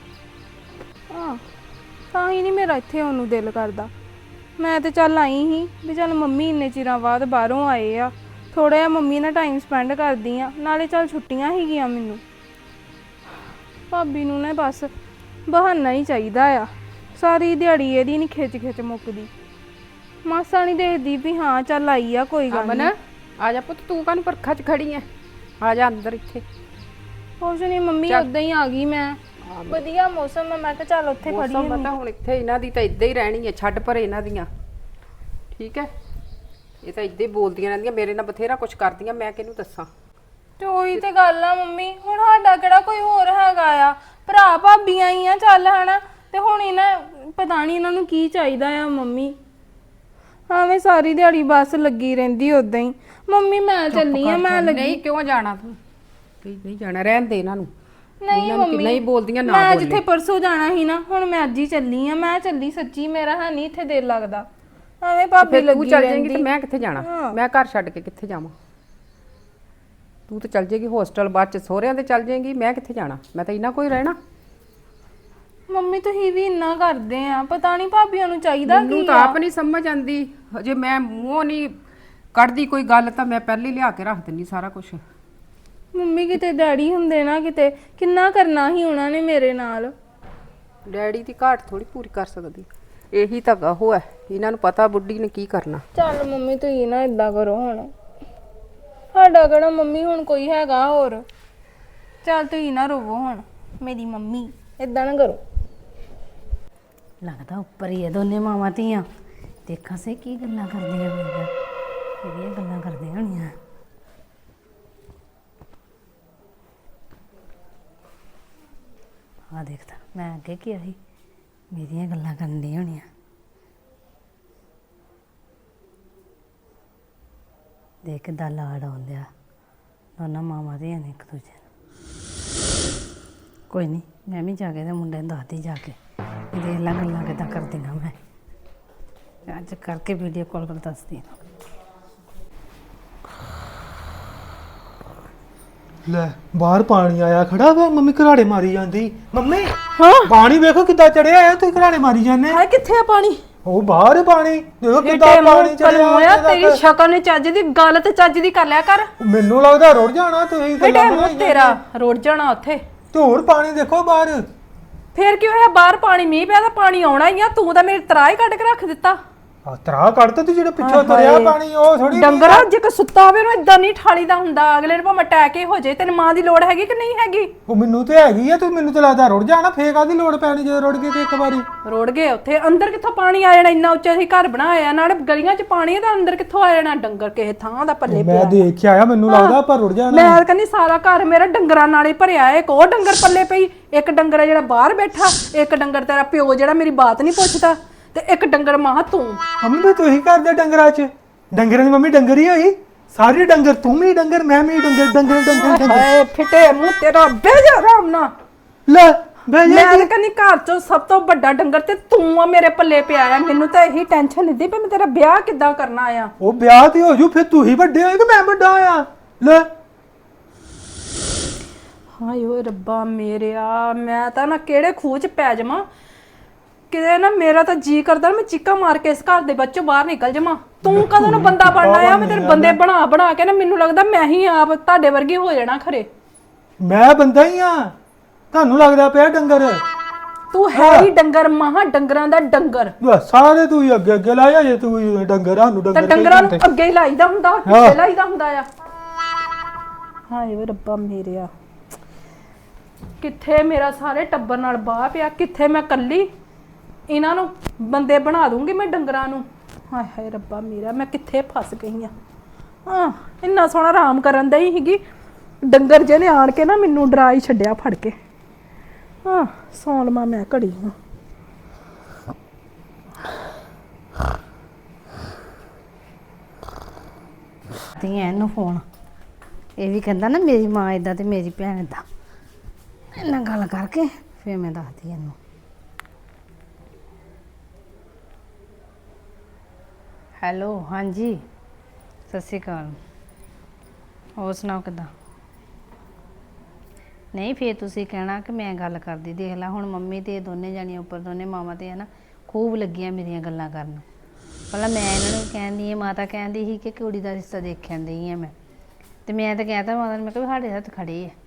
Speaker 2: ਤਾਂ ਹੀ ਨਹੀਂ ਮੇਰਾ ਇੱਥੇ ਆਉਣ ਨੂੰ ਦਿਲ ਕਰਦਾ। ਮੈਂ ਤੇ ਚੱਲ ਆਈ ਸੀ ਵੀ ਚੱਲ ਮੰਮੀ ਇੰਨੇ ਚਿਰਾਂ ਬਾਅਦ ਬਾਹਰੋਂ ਆਏ ਆ, ਥੋੜਾ ਜਿਹਾ ਮੰਮੀ ਨਾਲ ਟਾਈਮ ਸਪੈਂਡ ਕਰਦੀ ਆ, ਨਾਲੇ ਚੱਲ ਛੁੱਟੀਆਂ ਸੀਗੀਆਂ ਮੈਨੂੰ। ਭਾਬੀ ਨੂੰ ਨਾ ਬਸ ਬਹਾਨਾ ਹੀ ਚਾਹੀਦਾ ਆ, ਸਾਰੀ ਦਿਹਾੜੀ ਇਹਦੀ ਨਹੀਂ ਖਿੱਚ ਖਿੱਚ ਮੁੱਕਦੀ। ਮਾਸਾ ਨਹੀਂ ਦੇਖਦੀ ਵੀ ਹਾਂ ਚੱਲ ਆਈ ਆ, ਕੋਈ ਗੱਲ
Speaker 4: ਅਮਨ
Speaker 2: ਨਹੀਂ।
Speaker 4: ਆ ਜਾ ਪੁੱਤ, ਤੂੰ ਕਾਹਨੂੰ ਪਰਖਾ 'ਚ ਖੜੀ ਐ? ਆ ਜਾ ਅੰਦਰ ਇੱਥੇ।
Speaker 2: ਕੁਛ ਨਹੀਂ ਮੰਮੀ, ਉਦਾਂ ਹੀ ਆ ਗਈ ਮੈਂ। ਵਧੀਆ ਮੌਸਮ ਆ, ਮੈਂ ਕਿਹਾ ਚੱਲ ਉੱਥੇ ਖੜੀ
Speaker 4: ਮੌਸਮ
Speaker 2: ਹਾਂ।
Speaker 4: ਪਤਾ ਹੁਣ ਇੱਥੇ ਇਹਨਾਂ ਦੀ ਤਾਂ ਇੱਦਾਂ ਹੀ ਰਹਿਣੀ ਐ, ਛੱਡ ਪਰ ਇਹਨਾਂ ਦੀਆਂ। ਠੀਕ ਐ, ਇਹ ਤਾਂ ਇੱਦਾਂ ਹੀ ਬੋਲਦੀਆਂ ਰਹਿੰਦੀਆਂ, ਮੇਰੇ ਨਾਲ ਬਥੇਰਾ ਕੁਝ ਕਰਦੀਆਂ, ਮੈਂ ਕਿਹਨੂੰ ਦੱਸਾਂ।
Speaker 2: ਤੇ ਉਹੀ ਤੇ ਗੱਲ ਆ ਮੰਮੀ, ਹੁਣ ਸਾਡਾ ਕਿਹੜਾ ਕੋਈ ਹੋਰ ਹੈਗਾ ਆ, ਭਰਾ ਭਾਬੀਆਂ ਹੀ ਆ ਚੱਲ ਹਨਾ। ਤੇ ਹੁਣ ਇਹਨਾਂ ਪਤਾ ਨਹੀਂ ਇਹਨਾਂ ਨੂੰ ਕੀ ਚਾਹੀਦਾ ਆ ਮੰਮੀ। ਐਵੇਂ ਸਾਰੀ ਦਿਹਾੜੀ ਬਸ ਲੱਗੀ ਰਹਿੰਦੀ ਉਦਾਂ ਹੀ। ਮੰਮੀ ਮੈਂ ਚੱਲੀ ਆ, ਮੈਂ ਲੱਗੀ।
Speaker 4: ਨਹੀਂ ਕਿਉਂ ਜਾਣਾ ਤੂੰ? ਨਹੀਂ ਜਾਣਾ, ਰਹਿਣ ਦੇ ਇਹਨਾਂ ਨੂੰ।
Speaker 2: ਨਹੀਂ
Speaker 4: ਇਹਨਾਂ ਨੂੰ
Speaker 2: ਮੰਮੀ,
Speaker 4: ਨਹੀਂ ਬੋਲਦੀਆਂ ਨਾ
Speaker 2: ਮੈਂ
Speaker 4: ਬੋਲੇ।
Speaker 2: ਜਿੱਥੇ ਪਰਸੋਂ ਜਾਣਾ ਸੀ ਨਾ, ਹੁਣ ਮੈਂ ਅੱਜ ਹੀ ਚੱਲੀ ਆ। ਮੈਂ ਚੱਲੀ ਸੱਚੀ, ਮੇਰਾ ਹੈ ਨਹੀਂ ਇੱਥੇ ਦਿਲ ਲੱਗਦਾ। ਐਵੇਂ ਭਾਬੀ
Speaker 4: ਫਿਰ ਤੂੰ
Speaker 2: ਲੱਗੀ
Speaker 4: ਚੱਲ ਜਾਏਂਗੀ
Speaker 2: ਰਹਿੰਦੀ।
Speaker 4: ਤੇ ਮੈਂ ਕਿੱਥੇ ਜਾਣਾ? ਮੈਂ ਘਰ ਛੱਡ ਕੇ ਕਿੱਥੇ ਜਾਵਾਂ? ਤੂੰ ਤਾਂ ਚੱਲ ਜਾਏਗੀ ਹੋਸਟਲ, ਬਾਅਦ ਚ ਸਹੁਰਿਆਂ ਦੇ ਚੱਲ ਜਾਏਂਗੀ, ਮੈਂ ਕਿੱਥੇ ਜਾਣਾ? ਮੈਂ ਤਾਂ ਇਹਨਾਂ ਕੋਈ ਰਹਿਣਾ।
Speaker 2: ਮੰਮੀ ਤੁਸੀਂ ਵੀ ਇੰਨਾ ਕਰਦੇ ਆ, ਪਤਾ ਨਹੀਂ ਭਾਬੀਆਂ ਨੂੰ ਚਾਹੀਦਾ
Speaker 4: ਮੈਨੂੰ
Speaker 2: ਕੀ
Speaker 4: ਤਾਂ
Speaker 2: ਆ।
Speaker 4: ਆਪ ਨਹੀਂ ਸਮਝ ਆਂਦੀ। ਜੇ ਮੈਂ ਮੂੰਹੋਂ ਨਹੀਂ ਕੱਢਦੀ ਕੋਈ ਗੱਲ ਤਾਂ ਮੈਂ ਪਹਿਲੇ ਲਿਆ ਕੇ ਰੱਖ ਦਿੰਦੀ ਸਾਰਾ ਕੁਝ।
Speaker 2: ਮੰਮੀ ਕਿਤੇ ਡੈਡੀ ਹੁੰਦੇ ਨਾ, ਕਿਤੇ ਕਿੰਨਾ ਕਰਨਾ ਸੀ ਉਹਨਾਂ ਨੇ ਮੇਰੇ ਨਾਲ।
Speaker 4: ਡੈਡੀ ਦੀ ਘਾਟ ਥੋੜੀ ਪੂਰੀ ਕਰ ਸਕਦੀ, ਇਹੀ ਤਾਂ ਉਹ ਹੈ। ਇਹਨਾਂ ਨੂੰ ਪਤਾ ਬੁੱਢੀ ਨੇ ਕੀ ਕਰਨਾ।
Speaker 2: ਚੱਲ ਮੰਮੀ ਤੁਸੀਂ ਨਾ ਇਦਾਂ ਕਰੋ, ਹੁਣ ਸਾਡਾ ਕਿਹੜਾ ਮੰਮੀ ਹੁਣ ਕੋਈ ਹੈਗਾ ਹੋਰ। ਚੱਲ ਤੁਸੀਂ ਨਾ ਰੋਵੋ ਹੁਣ, ਮੇਰੀ ਮੰਮੀ ਇਦਾਂ ਨਾ ਕਰੋ।
Speaker 5: ਲੱਗਦਾ ਉੱਪਰ ਹੀ ਇਹ ਦੋਨੇ ਮਾਵਾਂ ਧੀਆਂ। ਦੇਖਾਂ ਸੇ ਕੀ ਗੱਲਾਂ ਕਰਦੀਆਂ ਪਈਆਂ, ਕਿਹੜੀਆਂ ਗੱਲਾਂ ਕਰਦੀਆਂ ਹੋਣੀਆਂ। ਆ ਦੇਖਦਾ, ਮੈਂ ਅੱਗੇ ਕੀ ਆਈ, ਮੇਰੀਆਂ ਗੱਲਾਂ ਕਰਨ ਦੀਆਂ ਹੋਣੀਆਂ। ਦੇਖ ਕਿੱਦਾਂ ਲਾੜ ਆਉਂਦਿਆ ਦੋਨਾਂ ਮਾਵਾਂ ਧੀਆਂ ਨੇ ਇੱਕ ਦੂਜੇ ਨੂੰ। ਕੋਈ ਨਹੀਂ, ਮੈਂ ਵੀ ਜਾ ਕੇ ਤੇ ਮੁੰਡੇ ਨੂੰ ਦੱਸਦੀ ਜਾ ਕੇ, ਦੇਖ ਲਾ ਗੱਲਾਂ ਕਿੱਦਾਂ ਕਰਦੀਆਂ। ਮੈਂ ਅੱਜ ਕਰਕੇ ਵੀਡੀਓ ਕਾਲ ਕਰ ਦੱਸਦੀ ਹਾਂ।
Speaker 1: ਲੈ ਬਾਹਰ ਪਾਣੀ ਆਇਆ ਖੜਾ ਵਾ, ਮੰਮੀ ਘਰਾੜੇ ਮਾਰੀ ਜਾਂਦੀ। ਮੰਮੀ ਪਾਣੀ ਵੇਖੋ ਕਿੱਦਾਂ ਚੜਿਆ ਆ, ਤੁਸੀਂ ਘਰਾੜੇ ਮਾਰੀ ਜਾਂਦੇ।
Speaker 2: ਹੈ ਕਿੱਥੇ ਆ ਪਾਣੀ?
Speaker 1: ਉਹ ਬਾਹਰ ਪਾਣੀ ਦੇਖੋ ਕਿੱਦਾਂ ਪਾਣੀ ਚੜਿਆ
Speaker 2: ਹੋਇਆ। ਤੇਰੀ ਸ਼ਕਲ ਨੇ ਚੱਜ ਦੀ ਗੱਲ ਤੇ ਚੱਜ ਦੀ ਕਰ ਲਿਆ ਕਰ।
Speaker 1: ਮੈਨੂੰ ਲੱਗਦਾ ਰੁੜ ਜਾਣਾ ਤੁਸੀਂ।
Speaker 2: ਬੇਟੇ ਮੂੰਹ ਤੇਰਾ ਰੋੜ ਜਾਣਾ ਉੱਥੇ।
Speaker 1: ਤੇ ਹੋਰ ਪਾਣੀ ਦੇਖੋ ਬਾਹਰ।
Speaker 2: ਫੇਰ ਕੀ ਹੋਇਆ? ਬਾਹਰ ਪਾਣੀ ਮੀਂਹ ਪਿਆ ਤਾਂ ਪਾਣੀ ਆਉਣਾ ਹੀ ਆ। ਤੂੰ ਤਾਂ ਮੇਰੇ ਤਰਾ ਹੀ ਕੱਢ ਕੇ ਰੱਖ ਦਿੱਤਾ।
Speaker 1: ਆ ਤਰਾ ਕੱਢ ਤੀ ਜਿਹੜੇ ਪਿੱਛੋਂ ਤੁਰਿਆ ਪਾਣੀ, ਉਹ ਥੋੜੀ
Speaker 2: ਡੰਗਰਾ ਜੇ ਕੋ ਸੁੱਤਾ ਹੋਵੇ ਉਹਨੂੰ ਇਦਾਂ ਨਹੀਂ ਠਾਲੀਦਾ ਹੁੰਦਾ। ਅਗਲੇ ਨੂੰ ਭਾਵੇਂ ਅਟੈਕ ਹੀ ਹੋ ਜਾਏ। ਤੈਨੂੰ ਮਾਂ ਦੀ ਲੋੜ ਹੈਗੀ ਕਿ ਨਹੀਂ ਹੈਗੀ?
Speaker 1: ਉਹ ਮੈਨੂੰ ਤੇ ਹੈਗੀ ਆ, ਤੂੰ ਮੈਨੂੰ ਤੇ ਲੱਗਦਾ ਰੁੜ ਜਾਣਾ। ਫੇਰ ਕਾਹਦੀ ਲੋੜ ਪੈਣੀ ਜਦੋਂ ਰੁੜ ਗਏ ਤੇ ਇੱਕ ਵਾਰੀ।
Speaker 2: ਰੋੜ ਗਏ ਉੱਥੇ। ਅੰਦਰ ਕਿੱਥੋਂ ਪਾਣੀ ਆ ਜਾਣਾ? ਇੰਨਾ ਉੱਚਾ ਅਸੀਂ ਘਰ ਬਣਾਇਆ, ਨਾਲੇ ਗਲੀਆਂ 'ਚ ਪਾਣੀ ਹੈ ਤਾਂ ਅੰਦਰ ਕਿੱਥੋਂ ਆ ਜਾਣਾ? ਡੰਗਰ ਕਿਸੇ ਥਾਂ ਦਾ ਪੱਲੇ
Speaker 1: ਮੈਂ ਦੇਖਿਆ ਆਇਆ, ਮੈਨੂੰ ਲੱਗਦਾ ਪਰ ਰੁੜ ਜਾਣਾ।
Speaker 2: ਮੈਂ ਕਹਿੰਦੀ ਸਾਰਾ ਘਰ ਮੇਰਾ ਡੰਗਰਾਂ ਨਾਲ ਹੀ ਭਰਿਆ ਏ। ਇੱਕ ਉਹ ਡੰਗਰ ਪੱਲੇ ਪਈ, ਇੱਕ ਡੰਗਰ ਆ ਜਿਹੜਾ ਬਾਹਰ ਬੈਠਾ, ਇੱਕ ਡੰਗਰ ਤੇਰਾ ਪਿਓ ਜਿਹੜਾ ਮੇਰੀ ਬਾਤ ਨਹੀਂ ਪੁੱਛਦਾ, ਤੇ ਇੱਕ ਡੰਗਰ ਮਾਂ ਤੂੰ।
Speaker 1: ਮੰਮੀ ਵੀ ਤੂੰ ਹੀ ਕਰਦੇ ਡੰਗਰਾਂ 'ਚ। ਡੰਗਰਾਂ ਦੀ ਮੰਮੀ ਡੰਗਰ ਹੀ ਹੋਈ। ਸਾਰੇ ਡੰਗਰ, ਤੂੰ ਵੀ ਡੰਗਰ, ਮੈਂ ਵੀ ਡੰਗਰ। ਡੰਗਰ ਡੰਗਰ ਡੰਗਰ।
Speaker 2: ਹਾਏ ਫਿੱਟੇ ਮੂੰਹ ਤੇਰਾ, ਬਹਿ ਜਾ ਆਰਾਮ ਨਾਲ।
Speaker 1: ਲੈ ਬਹਿ
Speaker 2: ਮੈਂ
Speaker 1: ਜਾ।
Speaker 2: ਤਾਂ ਕਹਿੰਦੀ ਘਰ 'ਚੋਂ ਸਭ ਤੋਂ ਵੱਡਾ ਡੰਗਰ ਤੇ ਤੂੰ ਆ ਮੇਰੇ ਪੱਲੇ ਪਿਆ ਆ। ਮੈਨੂੰ ਤਾਂ ਇਹੀ ਟੈਨਸ਼ਨ ਲੈਂਦੀ ਪਈ ਮੈਂ ਤੇਰਾ ਵਿਆਹ ਕਿੱਦਾਂ ਕਰਨਾ ਆ।
Speaker 1: ਉਹ ਵਿਆਹ ਤੇ ਹੋ ਜੂ, ਫਿਰ ਤੂੰ ਹੀ ਵੱਡੇ ਹੋਏ ਕਿ ਮੈਂ ਵੱਡਾ ਆ? ਲੈ
Speaker 2: ਹਾਏ ਓਏ ਰੱਬਾ ਮੇਰਿਆ, ਮੈਂ ਤਾਂ ਨਾ ਕਿਹੜੇ ਖੂਹ 'ਚ ਪੈ ਜਾਵਾਂ ਕਿਤੇ ਨਾ। ਮੇਰਾ ਤਾਂ ਜੀ ਕਰਦਾ ਮੈਂ ਚੀਕਾਂ ਮਾਰ ਕੇ ਇਸ ਘਰ ਦੇ ਵਿੱਚੋਂ ਬਾਹਰ ਨਿਕਲ ਜਾਵਾਂ। ਤੂੰ ਕਦੋਂ ਨੂੰ ਬੰਦਾ ਬਣਨਾ ਆ? ਮੈਂ ਤੇਰੇ ਬੰਦੇ ਬਣਾ ਬਣਾ ਕੇ ਨਾ, ਮੈਨੂੰ ਲੱਗਦਾ ਮੈਂ ਹੀ ਆਪ ਤੁਹਾਡੇ ਵਰਗੀ ਹੋ ਜਾਣਾ ਖਰੇ।
Speaker 1: ਮੈਂ ਬੰਦਾ ਹੀ ਆ, ਤੁਹਾਨੂੰ ਲੱਗਦਾ ਪਿਆ ਡੰਗਰ।
Speaker 3: ਤੂੰ ਹੈ ਹੀ ਡੰਗਰ ਮਹਾ ਡੰਗਰਾਂ ਦਾ ਡੰਗਰ।
Speaker 1: ਬਸ ਸਾਰੇ ਤੂੰ ਹੀ ਅੱਗੇ ਅੱਗੇ ਲਾਇਆ ਜੇ ਤੂੰ ਹੀ ਡੰਗਰਾਂ ਨੂੰ
Speaker 3: ਤੇ
Speaker 1: ਡੰਗਰ
Speaker 3: ਡੰਗਰਾਂ ਨੂੰ ਅੱਗੇ ਹੀ ਲਾਈਦਾ ਹੁੰਦਾ, ਪਿੱਛੇ
Speaker 1: ਹਾਂ।
Speaker 3: ਲਾਈਦਾ ਹੁੰਦਾ ਆ। ਹਾਏ ਵੇ ਰੱਬਾ ਮੇਰਿਆ, ਕਿੱਥੇ ਮੇਰਾ ਸਾਰੇ ਟੱਬਰ ਨਾਲ ਬਾਹ ਪਿਆ, ਕਿੱਥੇ ਮੈਂ ਕੱਲੀ ਇਹਨਾਂ ਨੂੰ ਬੰਦੇ ਬਣਾ ਦੂੰਗੀ ਮੈਂ ਡੰਗਰਾਂ ਨੂੰ। ਹਾਏ ਹਾਏ ਰੱਬਾ ਮੇਰਾ, ਮੈਂ ਕਿੱਥੇ ਫਸ ਗਈ ਆ। ਹਾਂ ਇੰਨਾ ਸੋਹਣਾ ਆਰਾਮ ਕਰਨ ਦਈ ਸੀਗੀ, ਡੰਗਰ ਜਿਹਨੇ ਆਣ ਕੇ ਨਾ ਮੈਨੂੰ ਡਰਾ ਹੀ ਛੱਡਿਆ ਫੜ ਕੇ। ਹਾਂ ਸੌਂ ਲਵਾਂ ਮੈਂ ਘੜੀ ਨੂੰ।
Speaker 5: ਤੀ ਇਹਨੂੰ ਫੋਨ, ਇਹ ਵੀ ਕਹਿੰਦਾ ਨਾ ਮੇਰੀ ਮਾਂ ਇਦਾਂ ਤੇ ਮੇਰੀ ਭੈਣ ਇਦਾਂ। ਇਹਨਾਂ ਗੱਲ ਕਰਕੇ ਫਿਰ ਮੈਂ ਦੱਸਦੀ ਇਹਨੂੰ। ਹੈਲੋ, ਹਾਂਜੀ ਸਤਿ ਸ਼੍ਰੀ ਅਕਾਲ। ਹੋਰ ਸੁਣਾਓ ਕਿੱਦਾਂ? ਨਹੀਂ ਫਿਰ ਤੁਸੀਂ ਕਹਿਣਾ ਕਿ ਮੈਂ ਗੱਲ ਕਰਦੀ। ਦੇਖ ਲੈ ਹੁਣ ਮੰਮੀ ਤੇ ਦੋਨੇ ਜਾਣੀਆਂ ਉੱਪਰ, ਦੋਨੇ ਮਾਵਾਂ ਤੇ ਹੈ ਨਾ ਖੂਬ ਲੱਗੀਆਂ ਮੇਰੀਆਂ ਗੱਲਾਂ ਕਰਨ। ਪਹਿਲਾਂ ਮੈਂ ਇਹਨਾਂ ਨੂੰ ਕਹਿੰਦੀ ਹਾਂ, ਮਾਤਾ ਕਹਿੰਦੀ ਸੀ ਕਿ ਕੁੜੀ ਦਾ ਰਿਸ਼ਤਾ ਦੇਖਣ ਡਈ ਹਾਂ ਮੈਂ, ਤੇ ਮੈਂ ਤਾਂ ਕਹਿਤਾ ਮਾਤਾ ਨੂੰ, ਮੈਂ ਕਿਹਾ ਵੀ ਸਾਡੇ ਹੱਥ ਖੜੇ ਆ।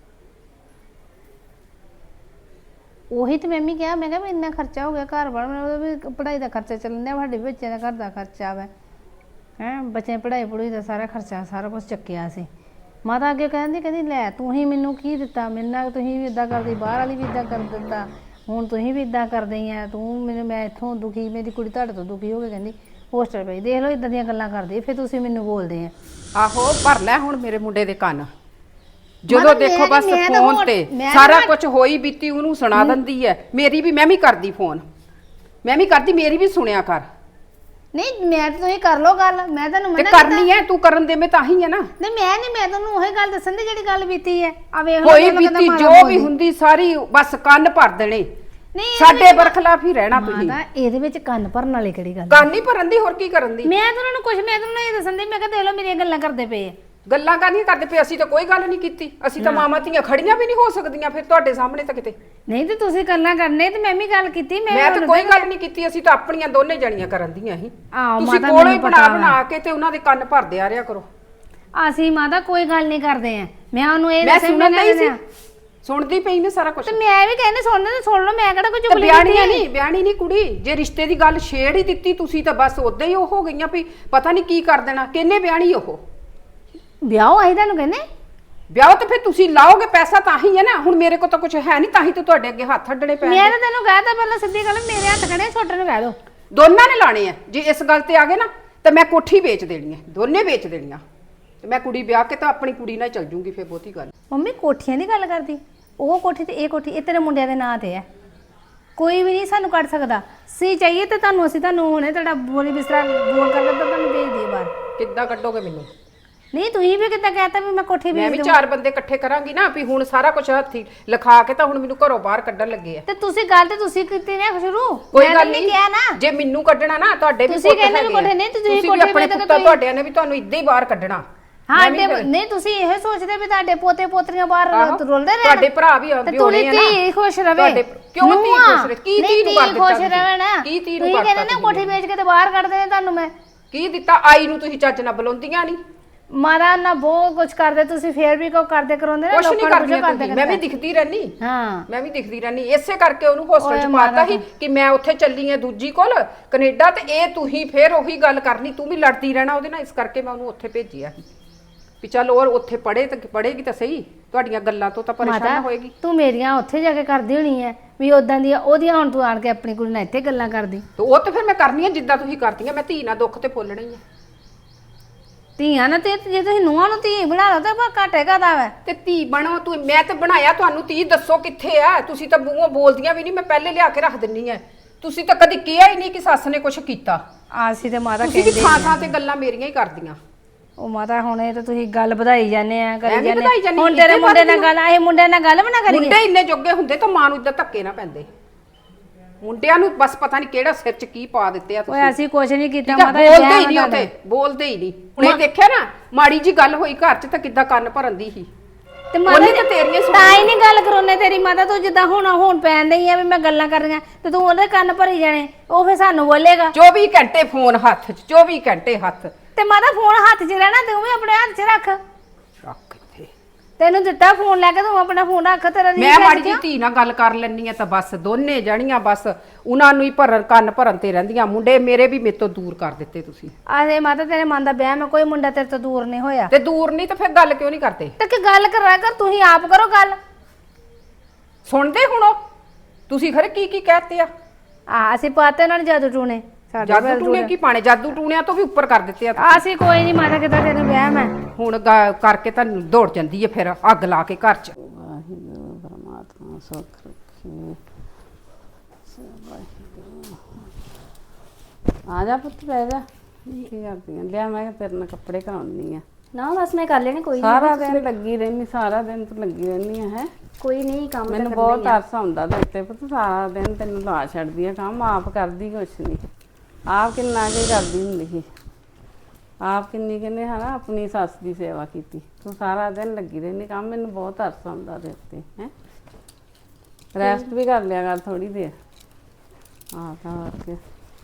Speaker 5: ਉਹੀ ਤੇ ਮੈਂ ਵੀ ਕਿਹਾ, ਮੈਂ ਕਿਹਾ ਵੀ ਇੰਨਾ ਖਰਚਾ ਹੋ ਗਿਆ ਘਰ ਵਾਲਾ, ਉਹਦਾ ਵੀ ਪੜ੍ਹਾਈ ਦਾ ਖਰਚਾ ਚੱਲਣ ਡਿਆ, ਸਾਡੇ ਬੱਚਿਆਂ ਦਾ ਘਰ ਦਾ ਖਰਚਾ ਵਾ ਹੈਂ, ਬੱਚਿਆਂ ਦੀ ਪੜ੍ਹਾਈ ਪੜੂਈ ਦਾ ਸਾਰਾ ਖਰਚਾ ਸਾਰਾ ਕੁਛ ਚੱਕਿਆ ਸੀ। ਮਾਤਾ ਅੱਗੇ ਕਹਿੰਦੀ ਲੈ ਤੂੰ ਹੀ ਮੈਨੂੰ ਕੀ ਦਿੱਤਾ, ਮੇਰੇ ਨਾਲ ਤੁਸੀਂ ਵੀ ਇੱਦਾਂ ਕਰਦੀ, ਬਾਹਰ ਵਾਲੀ ਵੀ ਇੱਦਾਂ ਕਰ ਦਿੱਤਾ, ਹੁਣ ਤੁਸੀਂ ਵੀ ਇੱਦਾਂ ਕਰਦੀ ਆ ਤੂੰ ਮੈਨੂੰ, ਮੈਂ ਇੱਥੋਂ ਦੁਖੀ, ਮੇਰੀ ਕੁੜੀ ਤੁਹਾਡੇ ਤੋਂ ਦੁਖੀ ਹੋ ਕੇ ਕਹਿੰਦੀ ਹੋਸਟਲ ਪਈ। ਦੇਖ ਲਓ ਇੱਦਾਂ ਦੀਆਂ ਗੱਲਾਂ ਕਰਦੀ, ਫਿਰ ਤੁਸੀਂ ਮੈਨੂੰ ਬੋਲਦੇ ਆ।
Speaker 4: ਆਹੋ ਭਰ ਲੈ ਹੁਣ ਮੇਰੇ ਮੁੰਡੇ ਦੇ ਕੰਨ, ਜਦੋਂ ਦੇਖੋ ਬਸ ਫੋਨ ਤੇ ਸਾਰਾ ਕੁਝ ਹੋਈ ਬੀਤੀ ਉਹਨੂੰ ਸੁਣਾ ਦਿੰਦੀ ਹੈ। ਮੇਰੀ ਵੀ, ਮੈਂ ਵੀ ਕਰਦੀ ਫੋਨ, ਮੈਂ ਵੀ ਕਰਦੀ, ਮੇਰੀ ਵੀ ਸੁਣਿਆ ਕਰ।
Speaker 5: ਨਹੀਂ ਮੈਂ ਤਾਂ ਤੁਸੀਂ ਕਰ ਲਓ ਗੱਲ, ਮੈਂ ਤੁਹਾਨੂੰ
Speaker 4: ਤੇ
Speaker 5: ਮਨਾ
Speaker 4: ਕਰਨੀ ਹੈ, ਤੂੰ ਕਰਨ ਦੇ ਮੈਂ ਤਾਂ ਹੀ ਹੈ ਨਾ।
Speaker 5: ਨਹੀਂ ਮੈਂ ਤੁਹਾਨੂੰ ਉਹੀ ਗੱਲ ਦੱਸਣ ਦੀ ਜਿਹੜੀ ਗੱਲ ਬੀਤੀ ਹੈ। ਆ ਵੇਖ ਲਓ
Speaker 4: ਹੋਈ ਬੀਤੀ ਜੋ ਵੀ ਹੁੰਦੀ ਸਾਰੀ ਬਸ ਕੰਨ ਭਰ ਦੇਣੇ, ਸਾਡੇ ਬਰਖਲਾਫ ਹੀ ਰਹਿਣਾ ਤੁਸੀਂ।
Speaker 5: ਮਾਤਾ ਇਹਦੇ ਵਿੱਚ ਕੰਨ ਭਰਨ ਵਾਲੀ ਕਿਹੜੀ ਗੱਲ?
Speaker 4: ਕੰਨ ਹੀ ਭਰਨ ਦੀ, ਹੋਰ ਕੀ ਕਰਨ ਦੀ?
Speaker 5: ਮੈਂ ਤਾਂ ਉਹਨਾਂ ਨੂੰ ਕੁਝ, ਮੈਂ ਤੁਹਾਨੂੰ ਇਹ ਦੱਸਣ ਦੀ, ਮੈਂ ਕਿਹਾ ਦੇਖ ਲਓ ਮੇਰੀਆਂ ਗੱਲਾਂ ਕਰਦੇ ਪਏ ਆ।
Speaker 4: ਗੱਲਾਂ ਕਰਨੀਆਂ ਕਰਦੇ ਪਏ, ਅਸੀਂ ਤਾਂ ਕੋਈ ਗੱਲ ਨਹੀਂ ਕੀਤੀ, ਅਸੀਂ ਤਾਂ ਮਾਮਾ ਧੀਆਂ ਖੜੀਆਂ ਵੀ ਨਹੀਂ ਹੋ ਸਕਦੀਆਂ ਫਿਰ ਤੁਹਾਡੇ ਸਾਹਮਣੇ ਤਾਂ ਕਿਤੇ।
Speaker 5: ਨਹੀਂ ਤੇ ਤੁਸੀਂ ਗੱਲਾਂ ਕਰਨੇ ਤੇ ਮੈਂ ਵੀ ਗੱਲ ਕੀਤੀ।
Speaker 4: ਮੈਂ ਤਾਂ ਕੋਈ ਗੱਲ ਨਹੀਂ ਕੀਤੀ, ਅਸੀਂ ਤਾਂ ਆਪਣੀਆਂ ਦੋਨੇ ਜਣੀਆਂ ਕਰਨ ਦੀਆਂ ਹੀ।
Speaker 5: ਆਹੋ
Speaker 4: ਤੁਸੀਂ
Speaker 5: ਮਾਤਾ
Speaker 4: ਕੋਲੋਂ ਹੀ ਬਣਾ ਕੇ ਤੇ ਉਹਨਾਂ ਦੇ ਕੰਨ ਭਰਦੇ ਆ ਰਿਆ ਕਰੋ।
Speaker 5: ਅਸੀਂ ਮਾਤਾ ਕੋਈ ਗੱਲ ਨਹੀਂ ਕਰਦੇ ਆ, ਮੈਂ ਉਹਨੂੰ ਇਹ
Speaker 4: ਮੈਂ
Speaker 5: ਦੱਸਿਆ
Speaker 4: ਸੁਣਦਾ ਹੀ ਸੀ, ਸੁਣਦੀ ਪਈ ਨੇ ਸਾਰਾ ਕੁਝ।
Speaker 5: ਤੇ ਮੈਂ ਵੀ ਕਹਿੰਦੀ ਸੁਣਨੇ ਤੇ ਸੁਣ ਲਓ, ਮੈਂ ਕਿਹੜਾ ਕੋਈ ਚੁਗਲੀ
Speaker 4: ਬਿਆਣੀ ਨਹੀਂ ਕੁੜੀ, ਜੇ ਰਿਸ਼ਤੇ ਦੀ ਗੱਲ ਛੇੜ ਹੀ ਦਿੱਤੀ ਤੁਸੀਂ ਤਾਂ ਬਸ ਉਦਾਂ ਹੀ ਉਹ ਹੋ ਗਈਆਂ ਵੀ ਪਤਾ ਨਹੀਂ ਕੀ ਕਰ ਦੇਣਾ। ਕਿੰਨੇ ਬਿਆਣੀ ਉਹ
Speaker 5: ਵਿਆਹ ਆਈ ਤੁਹਾਨੂੰ ਕਹਿੰਦੇ
Speaker 4: ਵਿਆਹ ਤੇ ਫਿਰ ਤੁਸੀਂ ਲਾਓਗੇ ਪੈਸਾ ਤਾਂ ਹੀ ਹੈ ਨਾ। ਹੁਣ ਮੇਰੇ ਕੋਲ ਤਾਂ ਕੁਝ ਹੈ ਨਹੀਂ, ਤਾਂ ਹੀ ਤਾਂ ਤੁਹਾਡੇ ਅੱਗੇ ਹੱਥ ਅੱਡਣੇ ਪੈਣੇ।
Speaker 5: ਮੈਂ ਤਾਂ ਤੈਨੂੰ ਕਹਿਤਾ ਪਹਿਲਾਂ ਸਿੱਧੀ ਗੱਲ, ਮੇਰੇ ਹੱਥ ਖੜੇ, ਛੋਟੇ ਨੂੰ ਕਹਿ ਦੋ।
Speaker 4: ਦੋਨਾਂ ਨੇ ਲਾਣੇ ਆ, ਜੇ ਇਸ ਗੱਲ ਤੇ ਆ ਗਏ ਨਾ ਤਾਂ ਮੈਂ ਕੋਠੀ ਵੇਚ ਦੇਣੀ ਹੈ, ਦੋਨੇ ਵੇਚ ਦੇਣੀਆਂ। ਤੇ ਮੈਂ ਕੁੜੀ ਵਿਆਹ ਕੇ ਤਾਂ ਆਪਣੀ ਕੁੜੀ ਨਾਲ ਚੱਲ ਜੂੰਗੀ, ਫਿਰ ਬਹੁਤੀ ਗੱਲ।
Speaker 5: ਮੰਮੀ ਕੋਠੀਆਂ ਦੀ ਗੱਲ ਕਰਦੀ, ਉਹ ਕੋਠੀ ਤੇ ਇਹ ਕੋਠੀ, ਇਹ ਤੇਰੇ ਮੁੰਡਿਆਂ ਦੇ ਨਾਂ ਤੇ ਹੈ, ਕੋਈ ਵੀ ਨਹੀਂ ਸਾਨੂੰ ਕੱਢ ਸਕਦਾ। ਸੀ ਚਾਹੀਏ ਤੇ ਤੁਹਾਨੂੰ, ਅਸੀਂ ਤੁਹਾਨੂੰ ਹੁਣੇ ਤੁਹਾਡਾ ਬੋਲੀ ਬਿਸਤਰਾ ਬੋਲ ਕਰਕੇ ਤਾਂ ਤੁਹਾਨੂੰ ਭੇਜ ਦਈਏ ਬਾਹਰ।
Speaker 4: ਕਿੱਦਾਂ ਕੱਢੋਗੇ ਮੈਨੂੰ?
Speaker 5: ਨਹੀਂ ਤੁਸੀਂ ਵੀ ਕਿੱਦਾਂ ਕਹਿਤਾ ਵੀ ਮੈਂ ਕੋਠੀ
Speaker 4: ਮੈਂ
Speaker 5: ਵੇਚ
Speaker 4: ਵੀ
Speaker 5: ਦੂੰ?
Speaker 4: ਚਾਰ ਬੰਦੇ ਇਕੱਠੇ ਕਰਾਂਗੀ ਨਾ, ਵੀ ਹੁਣ ਸਾਰਾ ਕੁਝ ਹੱਥੀ ਲਿਖਾ ਕੇ ਤਾਂ ਹੁਣ ਮੈਨੂੰ ਘਰੋਂ ਬਾਹਰ ਕੱਢਣ ਲੱਗੇ ਆ।
Speaker 5: ਤੇ ਤੁਸੀਂ ਗੱਲ ਤੇ ਤੁਸੀਂ ਕੀਤੀ ਨਾ ਸ਼ੁਰੂ,
Speaker 4: ਕੋਈ
Speaker 5: ਮੈਂ
Speaker 4: ਗੱਲ
Speaker 5: ਨਹੀਂ
Speaker 4: ਨਹੀਂ
Speaker 5: ਕਿਹਾ ਨਾ।
Speaker 4: ਜੇ ਮੈਨੂੰ ਕੱਢਣਾ ਨਾ, ਤੁਹਾਡੇ ਵੀ
Speaker 5: ਤੁਸੀਂ ਕਹਿੰਦੇ ਨੇ ਕੋਠੇ ਨਹੀਂ, ਤੁਸੀਂ
Speaker 4: ਵੀ
Speaker 5: ਕੋਠੇ
Speaker 4: ਆਪਣੇ
Speaker 5: ਵੇਚ ਕੇ
Speaker 4: ਪੁੱਤਾਂ ਤੁਹਾਡਿਆਂ ਨੇ ਵੀ ਤੁਹਾਨੂੰ ਇੱਦਾਂ ਹੀ ਬਾਹਰ ਕੱਢਣਾ।
Speaker 5: ਹਾਂ ਨਹੀਂ ਤੁਸੀਂ ਇਹ ਸੋਚਦੇ ਵੀ ਤੁਹਾਡੇ ਪੋਤੇ ਪੋਤਰੀਆਂ ਬਾਹਰ ਰੁਲਦੇ ਰਹਿਣ,
Speaker 4: ਤੁਹਾਡੇ ਭਰਾ ਵੀ ਆਉਂਦੇ ਹੋਣੇ ਆ ਨਾ।
Speaker 5: ਧੀ ਖੁਸ਼ ਰਵੇ।
Speaker 4: ਕਿਉਂ ਧੀ ਖੁਸ਼ ਰਹੇ? ਕੀ ਧੀ ਨੂੰ ਕਰ ਦਿੱਤਾ?
Speaker 5: ਖੁਸ਼ ਰਵੇ ਨਾ।
Speaker 4: ਕੀ ਧੀ ਨੂੰ
Speaker 5: ਤੁਸੀਂ
Speaker 4: ਕਰਤਾ?
Speaker 5: ਕਹਿੰਦੇ ਨਾ ਕੋਠੀ ਵੇਚ ਕੇ ਤੇ ਬਾਹਰ ਕੱਢ ਦੇਣੇ ਤੁਹਾਨੂੰ ਮੈਂ।
Speaker 4: ਕੀ ਦਿੱਤਾ? ਆਈ ਨੂੰ ਤੁਸੀਂ ਚੱਜ ਨਾਲ ਬੁਲਾਉਂਦੀਆਂ ਨਹੀਂ।
Speaker 5: ਮਾਰਾ ਨਾ ਬਹੁਤ ਕੁਝ ਕਰਦੇ ਤੁਸੀਂ, ਫੇਰ ਵੀ ਕੋ ਕਰਦੇ ਕਰਾਉਂਦੇ ਨਾ,
Speaker 4: ਕੁਛ ਨਹੀਂ
Speaker 5: ਲੋਕਾਂ ਨੂੰ
Speaker 4: ਕਰਦੀਆਂ
Speaker 5: ਕਰਦੇ
Speaker 4: ਤੁਸੀਂ। ਮੈਂ ਵੀ ਦਿਖਦੀ ਰਹਿਣੀ,
Speaker 5: ਹਾਂ
Speaker 4: ਮੈਂ ਵੀ ਦਿਖਦੀ ਰਹਿਣੀ। ਇਸੇ ਕਰਕੇ ਉਹਨੂੰ ਹੋਸਟਲ ਚ ਪਾਤਾ ਸੀ ਕਿ ਮੈਂ ਉੱਥੇ ਚੱਲੀ ਆ ਦੂਜੀ ਕੋਲ ਕੈਨੇਡਾ, ਤੇ ਇਹ ਤੁਸੀਂ ਫੇਰ ਉਹੀ ਗੱਲ ਕਰਨੀ, ਤੂੰ ਵੀ ਲੜਦੀ ਰਹਿਣਾ ਉਹਦੇ ਨਾਲ। ਇਸ ਕਰਕੇ ਮੈਂ ਉਹਨੂੰ ਉੱਥੇ ਭੇਜਿਆ ਸੀ ਵੀ ਚੱਲ ਹੋਰ ਉੱਥੇ ਪੜ੍ਹੇ ਤਾਂ ਪੜ੍ਹੇਗੀ ਤਾਂ ਸਹੀ, ਤੁਹਾਡੀਆਂ ਗੱਲਾਂ ਤੋਂ ਤਾਂ ਪਰੇਸ਼ਾਨ ਹੋਏਗੀ।
Speaker 5: ਤੂੰ ਮੇਰੀਆਂ ਉੱਥੇ ਜਾ ਕੇ ਕਰਦੀ ਹੋਣੀ ਹੈ ਵੀ ਉਦਾਂ ਦੀਆਂ ਉਹਦੀਆਂ, ਹੁਣ ਤੂੰ ਆਣ ਕੇ ਆਪਣੀ ਕੁੜੀ ਨਾਲ ਇੱਥੇ ਗੱਲਾਂ ਕਰਦੀ।
Speaker 4: ਤੇ ਉਹ ਤਾਂ ਫਿਰ ਮੈਂ ਕਰਨੀ ਆ ਜਿੱਦਾਂ ਤੁਸੀਂ ਕਰਦੀਆਂ। ਮੈਂ ਧੀ ਨਾਲ ਦੁੱਖ ਤੇ ਫੁੱਲਣਾ ਹੀ ਆ।
Speaker 5: ਧੀਆਂ ਨਾ ਤੇ ਜੇ ਤੁਸੀਂ ਨੂੰਹਾਂ ਨੂੰ ਧੀ ਬਣਾ ਲਓ ਤਾਂ ਘਾਟੇ ਕਾਹਦਾ ਵਾ?
Speaker 4: ਤੇ ਧੀ ਬਣੋ ਤੂੰ, ਮੈਂ ਤੇ ਬਣਾਇਆ ਤੁਹਾਨੂੰ ਧੀ। ਦੱਸੋ ਕਿੱਥੇ ਆ? ਤੁਸੀਂ ਤਾਂ ਮੂੰਹੋਂ ਬੋਲਦੀਆਂ ਵੀ ਨਹੀਂ, ਮੈਂ ਪਹਿਲੇ ਲਿਆ ਕੇ ਰੱਖ ਦਿੰਨੀ ਆ। ਤੁਸੀਂ ਤਾਂ ਕਦੀ ਕਿਹਾ ਹੀ ਨਹੀਂ ਕਿ ਸੱਸ ਨੇ ਕੁਝ ਕੀਤਾ।
Speaker 5: ਆਸੀ ਤੇ ਮਾਤਾ
Speaker 4: ਤੁਸੀਂ ਵੀ ਥਾਂ ਥਾਂ ਤੇ ਗੱਲਾਂ ਮੇਰੀਆਂ ਹੀ ਕਰਦੀਆਂ।
Speaker 5: ਉਹ ਮਾਤਾ ਹੁਣ ਇਹ ਤਾਂ ਤੁਸੀਂ ਗੱਲ ਵਧਾਈ ਜਾਂਦੇ ਆ, ਕਰੀ
Speaker 4: ਵਧਾਈ
Speaker 5: ਜਾਂਦੇ
Speaker 4: ਜਾਂਦੀ,
Speaker 5: ਹੁਣ ਤੇਰੇ ਮੁੰਡੇ ਨਾਲ ਗੱਲ, ਇਹ ਮੁੰਡੇ ਨਾਲ ਗੱਲ ਬਣਾ ਕਰੀਏ।
Speaker 4: ਮੁੰਡੇ ਇੰਨੇ ਜੋਗੇ ਹੁੰਦੇ ਤਾਂ ਮਾਂ ਨੂੰ ਇਦਾਂ ਧੱਕੇ ਨਾ ਪੈਂਦੇ। ਮੁੰਡਿਆਂ ਨੂੰ ਬਸ ਪਤਾ ਨਹੀਂ ਕਿਹੜਾ ਸਿਰ 'ਚ ਕੀ ਪਾ ਦਿੱਤੇ ਆ ਤੁਸੀਂ।
Speaker 5: ਓਏ ਅਸੀਂ ਕੁਝ ਨਹੀਂ ਕੀਤਾ
Speaker 4: ਠੀਕ ਆ,
Speaker 5: ਮਾਤਾ,
Speaker 4: ਬੋਲਦੇ ਹੀ ਨਹੀਂ ਉੱਥੇ, ਬੋਲਦੇ ਹੀ ਨਹੀਂ। ਹੁਣੇ ਦੇਖਿਆ ਨਾ, ਮਾੜੀ ਜੀ ਗੱਲ ਹੋਈ ਘਰ 'ਚ ਤਾਂ ਕਿੱਦਾਂ ਕੰਨ ਭਰਨ ਦੀ ਸੀ।
Speaker 5: ਤੇ ਮਾਤਾ
Speaker 4: ਉਹਨੇ ਤਾਂ ਤੇਰੀਆਂ ਸੁਣੀਆਂ।
Speaker 5: ਤਾਂ ਹੀ ਨਹੀਂ ਗੱਲ ਕਰਾਉਣੇ ਤੇਰੀ ਮਾਤਾ, ਤੂੰ ਜਿੱਦਾਂ ਹੁਣ ਪੈਣ ਡਈ ਆ ਵੀ ਮੈਂ ਗੱਲਾਂ ਕਰ ਰਹੀਆਂ ਤੇ ਤੂੰ ਉਹਦੇ ਕੰਨ ਭਰੀ ਜਾਣੇ, ਉਹ ਫੇਰ ਸਾਨੂੰ ਬੋਲੇਗਾ।
Speaker 4: 24 ਘੰਟੇ ਫੋਨ ਹੱਥ 'ਚ, 24 ਘੰਟੇ ਹੱਥ
Speaker 5: ਤੇ ਮਾਤਾ ਫੋਨ ਹੱਥ 'ਚ ਰਹਿਣਾ, ਤੂੰ ਵੀ ਆਪਣੇ ਹੱਥ 'ਚ ਰੱਖ।
Speaker 4: ਰੱਖ ਇੱਥੇ।
Speaker 5: ਤੈਨੂੰ ਦਿੱਤਾ ਫੋਨ ਲੈ ਕੇ, ਤੂੰ ਆਪਣਾ ਫੋਨ ਰੱਖ, ਤੇਰਾ ਰੀਲ
Speaker 7: ਮੈਂ ਮਾੜੀ ਜੀ ਧੀ ਨਾਲ ਗੱਲ ਕਰ ਲੈਣੀ ਆ ਤਾਂ ਬਸ ਦੋਨੇ ਜਣੀਆਂ ਬਸ ਉਹਨਾਂ ਨੂੰ ਹੀ ਕੰਨ ਭਰਨ ਤੇ ਰਹਿੰਦੀਆਂ। ਮੁੰਡੇ ਮੇਰੇ ਵੀ ਮੇਰੇ ਤੋਂ ਦੂਰ ਕਰ ਦਿੱਤੇ ਤੁਸੀਂ।
Speaker 5: ਆਹੇ ਮਾਤਾ ਤੇਰੇ ਮਨ ਦਾ ਵਹਿਮ ਹੈ, ਕੋਈ ਮੁੰਡਾ ਤੇਰੇ ਤੋਂ ਦੂਰ ਨਹੀਂ ਹੋਇਆ।
Speaker 7: ਤੇ ਦੂਰ ਨਹੀਂ ਤਾਂ ਫਿਰ ਗੱਲ ਕਿਉਂ ਨਹੀਂ ਕਰਦੇ?
Speaker 5: ਤੇ ਕਿ ਗੱਲ ਕਰਾ ਕਰ, ਤੁਸੀਂ ਆਪ ਕਰੋ ਗੱਲ।
Speaker 7: ਸੁਣਦੇ ਹੁਣੋ ਤੁਸੀਂ ਖਰੇ ਕੀ ਕੀ ਕਹਤੇ ਆ?
Speaker 5: ਅਸੀਂ ਪਾਤੇ ਨਾਲ ਜਾਦੂ ਟੂਣੇ,
Speaker 7: ਜਾਦੂ ਟੂਣੇ ਕੀ ਪਾਣੇ? ਜਾਦੂ ਟੂਣਿਆਂ ਤੋਂ ਵੀ ਉੱਪਰ ਕਰ ਦਿੱਤੇ ਆ।
Speaker 5: ਅਸੀਂ ਕੋਈ ਨਹੀਂ ਮਾਤਾ, ਕਿਦਾਂ ਤੈਨੂੰ ਵਹਿਮ ਹੈ।
Speaker 7: ਹੁਣ ਕਰਕੇ ਤਾਂ ਦੌੜ ਜਾਂਦੀ ਹੈ ਫਿਰ ਅੱਗ ਲਾ ਕੇ ਘਰ 'ਚ।
Speaker 4: ਵਾਹਿਗੁਰੂ ਪਰਮਾਤਮਾ ਸੁੱਖ ਰੱਖੇ। ਆ ਜਾ ਪੁੱਤ ਬਹਿ ਜਾ। ਕੀ ਕਰਦੀ ਆਂ? ਲਿਆ ਮੈਂ ਕਿਹਾ ਤੇਰੇ ਨਾਲ ਕੱਪੜੇ ਕਰਾਉਣੀ ਆ।
Speaker 6: ਨਾ ਬਸ ਮੈਂ ਕਰ ਲੈਣੇ, ਕੋਈ
Speaker 4: ਸਾਰਾ ਦਿਨ ਲੱਗੀ ਰਹਿਨੀ, ਸਾਰਾ ਦਿਨ ਤੂੰ ਲੱਗੀ ਰਹਿਨੀ ਆ ਹੈ।
Speaker 6: ਕੋਈ ਨਹੀਂ ਕੰਮ ਤਾਂ
Speaker 4: ਮੈਨੂੰ
Speaker 6: ਕਰਨਾ
Speaker 4: ਬਹੁਤ
Speaker 6: ਹੀ ਆ।
Speaker 4: ਤਰਸ ਆਉਂਦਾ ਤੇ ਉੱਤੇ ਪੁੱਤ, ਸਾਰਾ ਦਿਨ ਤੈਨੂੰ ਲਾ ਛੱਡਦੀ ਆ ਕੰਮ, ਆਪ ਕਰਦੀ ਕੁਛ ਨਹੀਂ। ਆਪ ਕਿੰਨਾ ਕੁ ਕਰਦੀ ਹੁੰਦੀ ਸੀ, ਆਪ ਕਿੰਨੀ ਕਹਿੰਦੇ ਹਨਾ ਆਪਣੀ ਸੱਸ ਦੀ ਸੇਵਾ ਕੀਤੀ। ਤੂੰ ਸਾਰਾ ਦਿਨ ਲੱਗੀ ਰਹਿੰਦੀ ਕੰਮ, ਮੈਨੂੰ ਬਹੁਤ ਤਰਸ ਆਉਂਦਾ ਤੇ ਉੱਤੇ ਹੈ। ਰੈਸਟ ਵੀ ਕਰ ਲਿਆ ਕਰ ਥੋੜੀ ਦੇਰ। ਆ ਤਾਂ ਹੋਰ ਕੀ।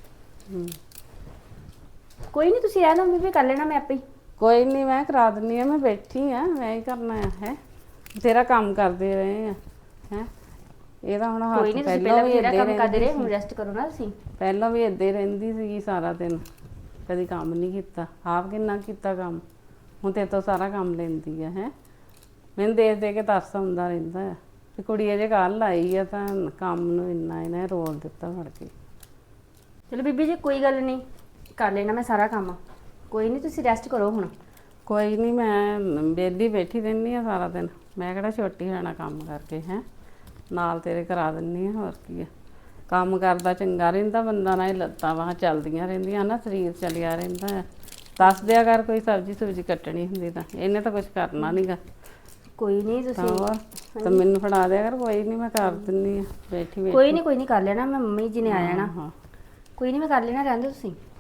Speaker 6: ਕੋਈ ਨਹੀਂ, ਤੁਸੀਂ ਰਹਿ ਦੋ, ਮੈਂ ਵੀ ਕਰ ਲੈਣਾ ਮੈਂ ਆਪੇ ਹੀ।
Speaker 4: ਕੋਈ ਨਹੀਂ, ਮੈਂ ਕਰਾ ਦਿੰਦੀ ਆ, ਮੈਂ ਬੈਠੀ ਆ, ਮੈਂ ਹੀ ਕਰਨਾ ਹੈ। ਤੇਰਾ ਕੰਮ ਕਰਦੇ ਰਹੇ ਆ ਹੈ। ਇਹਦਾ ਹੁਣ ਹੱਥ
Speaker 6: ਕੋਈ ਨਹੀਂ, ਤੁਸੀਂ
Speaker 4: ਪਹਿਲਾਂ
Speaker 6: ਪਹਿਲਾਂ
Speaker 4: ਵੀ
Speaker 6: ਵੀ
Speaker 4: ਏਦਾਂ
Speaker 6: ਕੰਮ ਕਰਦੇ ਰਹੇ,
Speaker 4: ਰਹਿੰਦੀ
Speaker 6: ਹੁਣ
Speaker 4: ਸੀ।
Speaker 6: ਰੈਸਟ ਕਰੋ ਨਾ ਤੁਸੀਂ।
Speaker 4: ਪਹਿਲਾਂ ਵੀ ਏਦਾਂ ਹੀ ਰਹਿੰਦੀ ਸੀਗੀ ਸਾਰਾ ਦਿਨ, ਕਦੀ ਕੰਮ ਨਹੀਂ ਕੀਤਾ। ਆਪ ਕਿੰਨਾ ਕੀਤਾ ਕੰਮ, ਹੁਣ ਤੇਰੇ ਤੋਂ ਸਾਰਾ ਕੰਮ ਲੈਂਦੀ ਆ ਹੈ। ਮੈਨੂੰ ਦੇਖ ਦੇ ਕੇ ਤਰਸ ਆਉਂਦਾ ਰਹਿੰਦਾ ਆ ਵੀ ਕੁੜੀ ਅਜੇ ਕੱਲ੍ਹ ਆਈ ਆ ਤਾਂ ਕੰਮ ਨੂੰ ਇੰਨਾ ਇਹਨੇ ਰੋਲ ਦਿੱਤਾ ਫੜ ਕੇ।
Speaker 6: ਚਲੋ ਬੀਬੀ ਜੀ ਕੋਈ ਗੱਲ ਨਹੀਂ, ਕਰ ਲੈਣਾ ਮੈਂ ਸਾਰਾ ਕੰਮ। ਕੋਈ ਨਹੀਂ, ਤੁਸੀਂ ਰੈਸਟ ਕਰੋ ਹੁਣ।
Speaker 4: ਕੋਈ ਨਹੀਂ, ਮੈਂ ਵਿਹਲੀ ਬੈਠੀ ਰਹਿੰਦੀ ਆ ਸਾਰਾ ਦਿਨ। ਮੈਂ ਕਿਹੜਾ ਛੋਟੀ ਹੋਣਾ ਕੰਮ ਕਰਕੇ ਹੈ। ਨਾਲ ਤੇਰੇ ਕਰਾ ਦਿੰਦੀ ਆ, ਹੋਰ ਕੀ ਆ। ਕੰਮ ਕਰਦਾ ਚੰਗਾ ਰਹਿੰਦਾ ਬੰਦਾ, ਨਾ ਇਹ ਲੱਤਾਂ ਬਾਹਾਂ ਚੱਲਦੀਆਂ ਰਹਿੰਦੀਆਂ ਨਾ, ਸਰੀਰ ਚੱਲਿਆ ਰਹਿੰਦਾ ਆ। ਦੱਸ ਦਿਆ ਕਰ ਕੋਈ ਸਬਜ਼ੀ ਸੁਬਜ਼ੀ ਕੱਟਣੀ ਹੁੰਦੀ ਤਾਂ, ਇਹਨੇ ਤਾਂ ਕੁਝ ਕਰਨਾ ਨਹੀਂਗਾ।
Speaker 6: ਕੋਈ ਨਹੀਂ ਤੁਸੀਂ
Speaker 4: ਤਾਂ ਮੈਨੂੰ ਫੜਾ ਦਿਆ ਕਰ। ਕੋਈ ਨਹੀਂ, ਮੈਂ ਕਰ ਦਿੰਦੀ ਆ ਬੈਠੀ ਬੈਠੀ।
Speaker 6: ਕੋਈ ਨਹੀਂ, ਕੋਈ ਨਹੀਂ ਕਰ ਲੈਣਾ ਮੈਂ, ਮੰਮੀ ਜੀ ਨੇ ਆ ਜਾਣਾ।
Speaker 4: ਹਾਂ
Speaker 6: ਕੋਈ ਨਹੀਂ, ਮੈਂ ਕਰ ਲੈਣਾ, ਰਹਿੰਦੇ ਤੁਸੀਂ।